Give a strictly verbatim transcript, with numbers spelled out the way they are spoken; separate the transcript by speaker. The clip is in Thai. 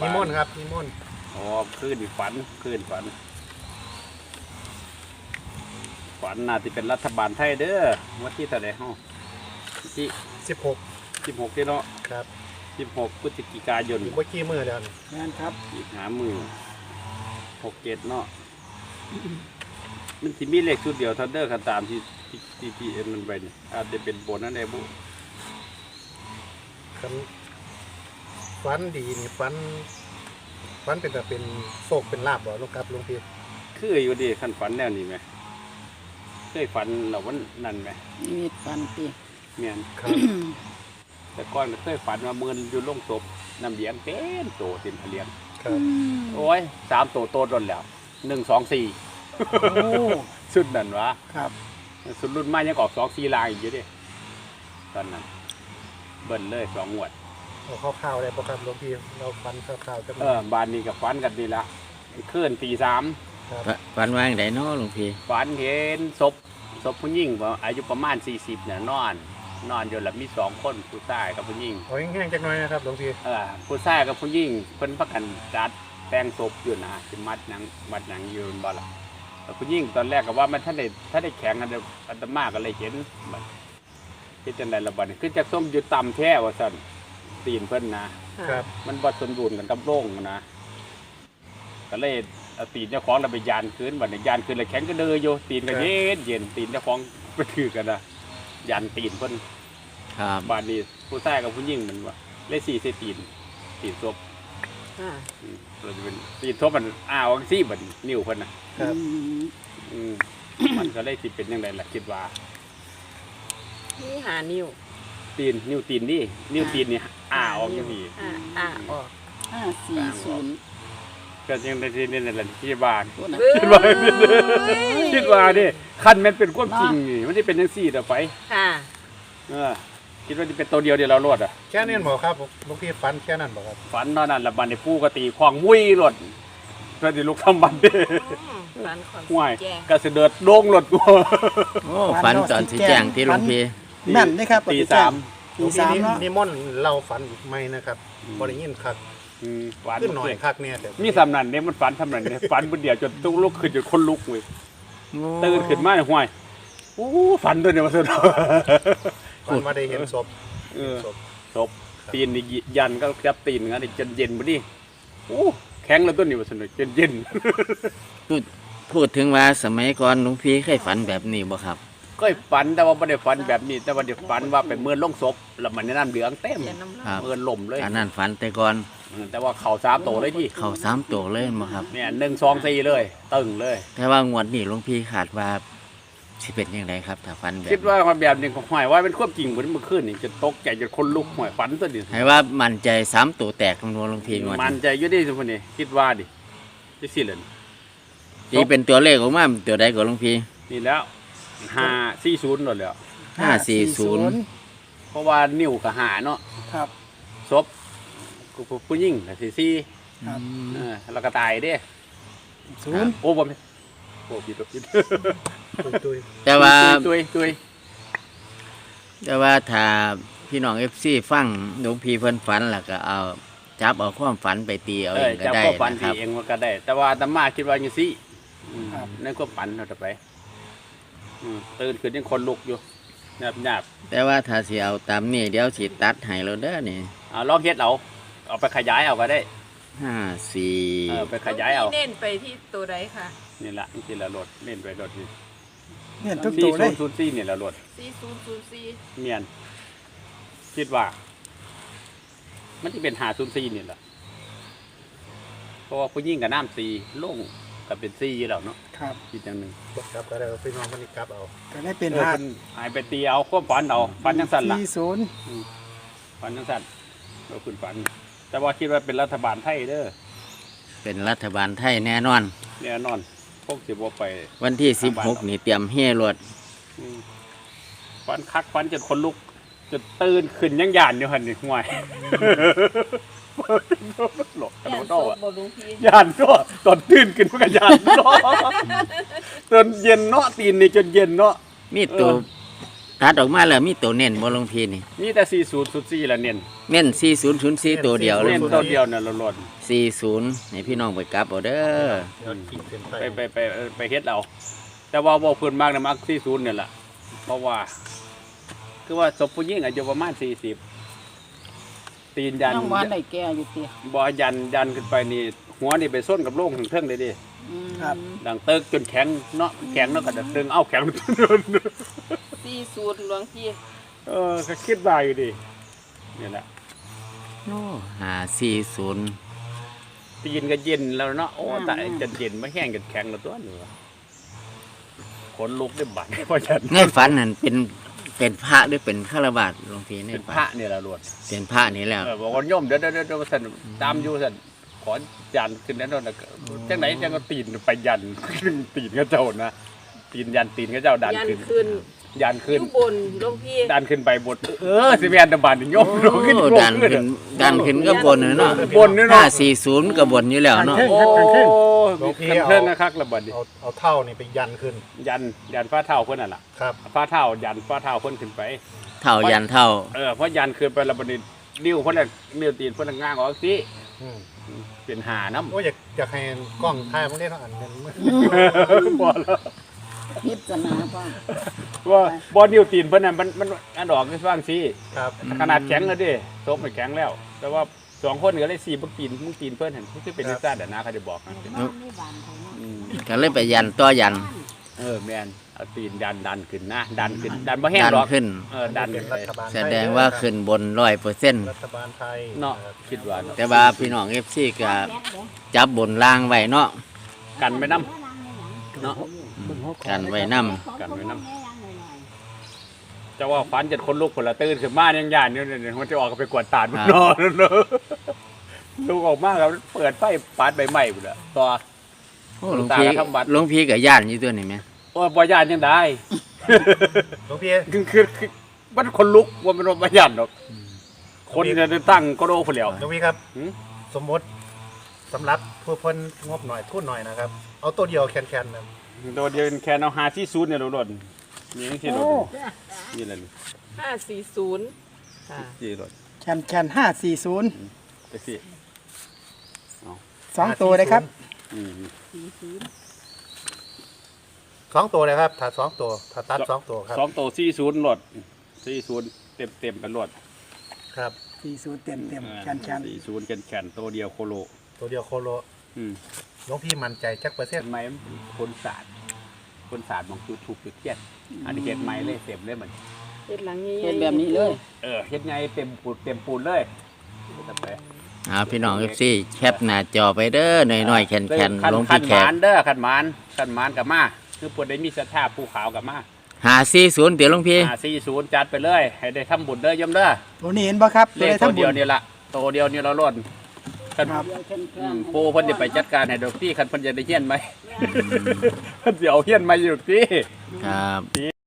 Speaker 1: นิมนต์ครับนิมนต์
Speaker 2: อ๋อคืนฝันคืนฝันฝันน่าจะเป็นรัฐบาลไทยเด้อวันที่เท่าไหร่ฮะที่
Speaker 1: สิบหก
Speaker 2: สิบหกเนาะ
Speaker 1: ครับ
Speaker 2: สิบหกพฤศจิกายน
Speaker 1: อีกไม่กี่มือแล้ว
Speaker 3: งานครับ
Speaker 2: อีกหามือหกเจ็ดเนาะมันที่มีเลขชุดเดียวทันเดอร์กันตามที่ที่ที่ที่เอ็นมันไปเนี่ยอาจจะเป็นโบนนั่นเองบุ
Speaker 1: คันฟันดีนี่ฟันฟันเป็นแต่เป็นโศกเป็นลาบบ่ลูกครับลุงพี่
Speaker 2: คืออยู่ดีขั้นฝันแนวนี้ไหมเคยฝันเราวันนั่นไหม
Speaker 3: มีฝันตี
Speaker 2: เมียนแต่ก่อนเคยฝันว่าเมือนอยู่ลงศพน้ำเลี้ยงเต็มโตเต็มเลี้ยงโอ้ยสามโตโตโดนแล้วหนึ่งสองสี่สุดนั่นวะ
Speaker 3: ครับ
Speaker 2: สุดรุ่นไม้ยังออกสองสี่ลายอีกเยอะดิตอนนั้นเบิ้ลเลยสองงวด
Speaker 1: เอาข้าวๆเลยประครับหลวงพี่เราฟันข้าวๆจะ
Speaker 2: เออบานนี้กับฟันกันนี่ละเคลื่อนตีสาม
Speaker 4: ฝันว่าอย่างไรเนาะหลวงพี่
Speaker 2: ฝันเห็นศพศพผู้หญิงอายุประมาณสี่สิบเนี่ยนอนนอนอยู่หลับมีสองคนผู้ชายกับผู้หญิง
Speaker 1: โอ้ยแห้งๆจังหน่อยนะครับหลวงพี่
Speaker 2: เออผู้ชายกับผู้หญิงเพิ่นพักกันจัดแปลงศพอยู่นะที่มัดหนังมัดหนังยืนบ่ล่ะแต่ผู้หญิงตอนแรกก็ว่ามันถ้าได้ถ้าได้แข็งอันเดียวอัตมาก็เลยเห็นมันที่จังไดระบาดคือจะส้มอยู่ต่ำแท้ว่าสั่นตีนเพิ่นนะครับมันบ่สมดุลกันกับโล่งนะก็เลยเอาตีนเจ้าของเราไปยานคืนบัดนี้ยานคืนเลยแข็งก็เดืออยู่ตีนก็เย็นเย็นตีนเจ้าของไปถือกันนะยานตีนเพิ่นบานนี้ผู้ชายกับผู้หญิงมันว่าเลยสี่เซตีนตีนศพเราจะเป็นตีนศพมันอ้าวซี่บัดนิ้วเพิ่นนะครับมันก็เลยสิเป็นยังไงล่ะคิดว่า
Speaker 5: นี่หานิ้ว
Speaker 2: ตีนนิ้วตีนนี่นิ้วตีนนี่อ้าออกยังมี
Speaker 5: อ้าออก
Speaker 3: ห้าสี่ศูนย์
Speaker 2: ก็ยังได้ที่นี่แหละที่บ้านคิดว่าคิดว่านี่ขั้นมันเป็นความจริงนี่มันจะเป็นยังสี่ต่อไป
Speaker 5: ค่ะ
Speaker 2: เออคิดว่าจะเป็นตัวเดียวเดียวเราลดอ่ะ
Speaker 1: แค่นี้บอกครับหลวงพี่ฝันแค่นั้นบอกครับ
Speaker 2: ฝันเท่านั้นละบันในปูกตีควางมุ้ยลดเพื่อที่ลูกทำบันเด้
Speaker 5: ฝันความ
Speaker 2: ห่วยก็เสด็จโด่งลดกู
Speaker 4: โอ้ฝันตอนสีแจงที่หลวงพี่
Speaker 3: นั่นนี่ครับ
Speaker 2: ตีสาม
Speaker 1: ตีสามนิมนต์เราฝันอีกไหมนะครับบริยินคักขึ้นหน่อยคักเนี่ย
Speaker 2: มีสำนันเนี่ยมันฝันทำนันเนี่ยฝันบนเดียวจนต้องลุกขึ้นจนคนลุกเลยตื่นขึ้นมาห่วยโอ้ฝันด้วยเนี่ยมาสุด
Speaker 1: ฝันมาได้เห็นศพ
Speaker 2: ศพตีนนี่ยันก็จับตีนงั้นจนเย็นมาดิโอ้แข็งแล้วต้นนี่มาสุดจนเย็น
Speaker 4: พูดพูดถึงว่าสมัยก่อนหลวงพี่เคยฝันแบบนี้บ่ครับ
Speaker 2: ก็ฝันแต่ว่าไม่ได้ฝันแบบนี้แต่ว่าเดี๋ยวฝันว่าเป็นเมื่อลงศพแล้วมันน้ำเหลืองเต็มเมื่อล่มเลย
Speaker 4: อันนั้นฝันแต่ก่อน
Speaker 2: แต่ว่าเข่าสามโตเลยที่
Speaker 4: เข่าสามโตเลยมั้งครับ
Speaker 2: เนี่ยหนึ่งสองสี่เลยตึงเลย
Speaker 4: แต่ว่างวดนี้หลวงพี่ขาดว่าสิเป็นยังไงครับถ้าฝันแบบ
Speaker 2: คิดว่าความแบบนี้ของหอยว่าเป็นควบจริงเหมือนเมื่อคืนนี่จะตกใจจะคนลุกหอยฝันตัวนี้
Speaker 4: ให้ว่ามั่นใจสามโตแตกของหลวงพี่งวด
Speaker 2: มั่นใจยุ่ดิสมุนีคิดว่าดิที่สี่เลย
Speaker 4: นี่เป็นตัวเลขของมันตัวใดของหลวงพี่
Speaker 2: นี่แล้วห้าสี่ศูนย์หมดแล้ว
Speaker 4: ห้าสี่ศูนย์
Speaker 2: เพราะว่านิ้วกับหาเนาะ
Speaker 3: ครับ
Speaker 2: ศพผู้หญิงสี่สี่แล้วก็ตายเด้
Speaker 3: ศูนย์
Speaker 2: โอ้บ่โอ้ผิดผิด
Speaker 4: แต่ว่า
Speaker 2: ตุยตุย
Speaker 4: แต่ว่าถ้าพี่น้องเอฟซีฟังหลวงพี่เพิ่นฝันแล้วก็เอาจับเอาความฝันไปตีเอาเองก็ได้
Speaker 2: นะครับเองมันก็ได้แต่ว่าธรรมะคิดว่าอย่างนี้นั่นก็ฝันเราจะไปตื่นขึ้นยังคนลุกอยู่หยาบหยาบ
Speaker 4: แต่ว่าถ้าสิเอาตามนี่เดี๋ยวสิตัดให้เราเด้อนี่
Speaker 2: เอาลองเฮ็ดเอาเอาไปขยายเอาก็ได้
Speaker 4: ห้าสี่
Speaker 2: ไปขยายเอา
Speaker 5: เน้นไปที่ตัวใดค่ะ
Speaker 2: นี่แหละนี่ละรถเน้นไปรถนี่
Speaker 3: เน้นทุกตัวเลย
Speaker 2: สี่ศูนย์สี่นี่ละรถ
Speaker 5: สี่ศูนย์ศูนย์สี่
Speaker 2: เมียนคิดว่ามันจะเป็นหาศูนย์สี่นี่แหละเพราะว่าผู้หญิงกับน้ำสี่โล่งกับเป็นซี่อยู่แล้วเนาะ
Speaker 3: ครับ
Speaker 2: อีกอย่างหนึ่ง
Speaker 1: ครับก็ได้พี่น้องคนนี้ครับเอา
Speaker 3: ก็ได้เป็น
Speaker 2: หาหายไปตีเอาควบฝันเอาฝันยังสั่นละ
Speaker 3: สี่ศูนย์
Speaker 2: ฝันยังสั่นเราคุณฝันแต่ว่าคิดว่าเป็นรัฐบาลไทยเด้อ
Speaker 4: เป็นรัฐบาลไทยแน่นอน
Speaker 2: แน่นอนพวกสิบว่าไป
Speaker 4: วันที่สิบหกนี่เตรียมเฮ่รถ
Speaker 2: ฝันคักฝันจนคนลุกจนตื่นขึ้นยังหยานอยู่หันนี่ห่วยหลอกกันโต้ยานก็ตอนตื่นขึ้นก็ยานเนาะตอนเย็นเนาะตีนนี่จนเย็นเนาะ
Speaker 4: มีตัวตัดออกมาแล้วมีตัวเน้นบ่หลวงพี่นี่
Speaker 2: นี่แต่สี่ศูนย์ศูนย์สี่ละเน้น
Speaker 4: เน้นสี่ศูนย์ศูนย์สี่ตัวเดียวเลย
Speaker 2: เน้นตัวเดียวเนี่ยเราหล่น
Speaker 4: สี่ศูนย์ให้พี่น้องไปกลับเอาเด้อ
Speaker 1: เดี๋ยวขีดเส้น
Speaker 2: ไป
Speaker 1: ใต้
Speaker 2: ไปไปไปไปเฮ็ดเอาแต่ว่าบ่เพิ่นมากนะมักสี่ศูนย์เนี่ยล่ะเพราะว่า คือว่าศพผู้หญิงอายุประมาณสี่สิบตีนยัน
Speaker 3: น้องว่าได้แก่อยู่เตี้ย
Speaker 2: บ่ยันยันขึ้นไปนี่หัวนี่ไปส้นกับโล่งถึงเทิงเลยดิ
Speaker 3: ครับ
Speaker 2: ดังเติกจนแข็งเนาะแข็งเนาะก็จะดึงเอาแข็ง
Speaker 5: สี่ศูนย์หลวงพี่
Speaker 2: เออก็คิดว่าอยู่ดินี่แหละ
Speaker 4: โอ้ห้าสี่ศูนย์
Speaker 2: ตีนก็เย็นแล้วเนาะโอ้แต่จะเย็นไม่แห้งกันแข็งแล้วตัวนี่วะขนลุกได้บัดเพราะฉัน
Speaker 4: ในฝันนั่นเป็นเป็นพระหรือเป็นฆราวาสหลวงพี่ใน
Speaker 2: เป็น
Speaker 4: ฝั
Speaker 2: พระเนี่ยละรวด
Speaker 4: เป็นพระนี่แล้ว
Speaker 2: เออบอกว่าโยมเดี๋ยวเดี๋ยวเดี๋ยวสันตามอยู่สันขอยันขึ้นแล้วเนาะจังไหนจังก็ตีนไปยัน ตีนก็เจ้านะตีนยันตีนก็เจ้าดัน
Speaker 5: ยัน
Speaker 2: ขึ้น
Speaker 5: ขึ้น
Speaker 2: ยัน
Speaker 5: อ
Speaker 2: ขึ้น
Speaker 5: ยู่บนหลวงพี่
Speaker 2: ดันขึ้นไปบนเออสิแมนตะบานนี่โยมโยมขึ้น
Speaker 4: โอ้
Speaker 2: โยม
Speaker 4: ดัน
Speaker 2: ขึ้น
Speaker 4: ขึ้นดันขึ้นก็บนเนาะ
Speaker 2: บนนี่
Speaker 4: ห้า
Speaker 2: เนาะ
Speaker 4: สี่ศูนย์ก็บนอยู่แล้วเนาะ
Speaker 2: โอ้มีคันเทิงนะครับระเบิดดิ
Speaker 1: เอาเอาเท่านี่ไปยันขึ้น
Speaker 2: ยันยันฟ้าเท้าเพิ่นน่ะล่ะ
Speaker 1: ครับ
Speaker 2: ฟ้าเท้ายันฟ้าเท้าเพิ่นขึ้นไป
Speaker 4: เท่ายันเท่า
Speaker 2: เออเพราะยันขึ้นไประเบิดนี่นิ้วเพิ่นน่ะนิ้วตีนเพิ่นน่ะง้างออกสิ
Speaker 1: อืม
Speaker 2: เป็นหาน้ำ
Speaker 1: โอ้ยอยากอยากให้กล้องถ่ายมันได้เนาะอันนั้น
Speaker 2: บ่แล้ว
Speaker 3: พิจารณาบ้าง
Speaker 2: ว่าบ่นิ้วตีนเพิ่นน่ะมันมันอันออกคือว่างสิ
Speaker 1: ครับ
Speaker 2: ขนาดแข็งแล้วดิซบมันแข็งแล้ว แต่ว่าสองคนก็เลยสี่บักตีนมึงตีนเพิ่นเห็นคือเป็นนิสัยแต่นะเขาจะบอกนะอืม
Speaker 4: ก็เลยไปยันต่อยัน
Speaker 2: เออแม่นเอาตีนดันดันขึ้นนะดันขึ้นดันบ่แห้ง
Speaker 4: ดัน
Speaker 2: หรอก
Speaker 4: ขึ้น
Speaker 2: เออดัน
Speaker 1: เป็
Speaker 2: ขึ้
Speaker 1: น
Speaker 2: นไป
Speaker 1: รัฐบาลไทย
Speaker 4: แสดงว่าขึ้นบนร้อยเปอร์เซ็นต์
Speaker 1: รัฐบาลไทย
Speaker 2: เนาะ
Speaker 1: ครับ
Speaker 2: คิดว่าเนาะ
Speaker 4: แต่ว่าพี่น้องเอฟซีก็จับบนล่างไว้เนาะ
Speaker 2: กันไม่น้ำเนาะ
Speaker 4: กันไว้น
Speaker 2: กันไม่น้ำจะว่าฟันจะคนลุกคนละตื่นขึ้นมายังยานอยู่เนี่ยมันจะออกไปกวาดตาดมันนอนเนอะลูกออกมาแล้วเปิดไฟปาดใบไม้หมดอะต่อ
Speaker 4: ำโอ้หลวงพี่
Speaker 2: ตาก็ทำวัด
Speaker 4: หลวงพี่กับย่านอยู่ตัวนี่ไหม
Speaker 2: โอ้ยบ่ยานยังได้
Speaker 1: หลวงพี่
Speaker 2: คือคือคือมันคนลุกว่ามันบ่ยานหรอกคนจะตั้งก็โดนคนเดียว
Speaker 1: หลวงพี่ครับ
Speaker 2: หืม
Speaker 1: สมมติสำหรับผู้เพิ่นงบหน่อยทุนหน่อยนะครับ เอาตัวเดียวแคนๆนะ
Speaker 2: โดนเดียวแค่เอาหาที่ซูดเนี่ยโดนนี่ยังที่โดนนี่แหละ
Speaker 5: ห้าสี่ศูนย์ค่ะ
Speaker 2: ที่โดน
Speaker 3: แคนแคนห้าสี่ศูนย์
Speaker 2: ไปสิ
Speaker 3: สองตัวเลยครับ
Speaker 2: อืม
Speaker 1: สองตัวเลยครับถ้าสองตัวถ้าตัดสองตัวครับ
Speaker 2: สองตัวสี่ศูนย์หลดสี่ศูนย์เต็มเต็มๆกันหลด
Speaker 1: ครับ
Speaker 3: สี่ศูนย์เต็มเต็มแคนแคน
Speaker 2: สี่ศูนย์แขนแขนตัวเดียวโคโล
Speaker 1: ตัวเดียวโคโล
Speaker 2: อืม
Speaker 1: หลวงพี่มั่นใจจักเปอร์เซ็น
Speaker 2: เห็
Speaker 1: ต์
Speaker 2: นไหมคนศาสตร์คนศาสตร์มองคือถูกจุดเทียนอันนี้เฮ็ดไม้เลยเต็มเลยเหมือน
Speaker 5: เฮ็ดหลังนี้
Speaker 3: เป็นแบบนี้เลย
Speaker 2: เออเฮ็ดไงเต็มปูนเต็มปูนเลยแต่ไป
Speaker 4: เอาพี่น้องเอฟซีแคปหน้าจอไปเด้อหน่อยๆแคนแคน
Speaker 2: ขัน
Speaker 4: หลวง
Speaker 2: ขั
Speaker 4: พี่
Speaker 2: น
Speaker 4: แข
Speaker 2: หมาก นเด้อขันหมานขันหมานกับมาคือปวดได้มีศรัทธาภูเขากับมา
Speaker 4: หาสี่ศูนย์เดี๋ยวหลวงพี่
Speaker 2: อ่าสี่ศูนย์จัดไปเลย ให้ได้ทำบุญเด้อยมเด้อ
Speaker 3: ตัวนี้เห็นป่ะครับ
Speaker 2: เล
Speaker 3: ตัว
Speaker 2: ข
Speaker 3: ได้
Speaker 2: ตัว
Speaker 3: ทำบุ
Speaker 2: เดียว
Speaker 3: ญ
Speaker 2: นี่ละตัวเดียวนี่เราล้นคัน
Speaker 3: ครับ
Speaker 2: อืมปูเพิ่นจะไปจัดการให้ดอกพี่คันเพิ่นจะได้เฮียนไหมเพิ่นสิเอาเฮียนมาอยู่ดอกพี่
Speaker 4: ครับ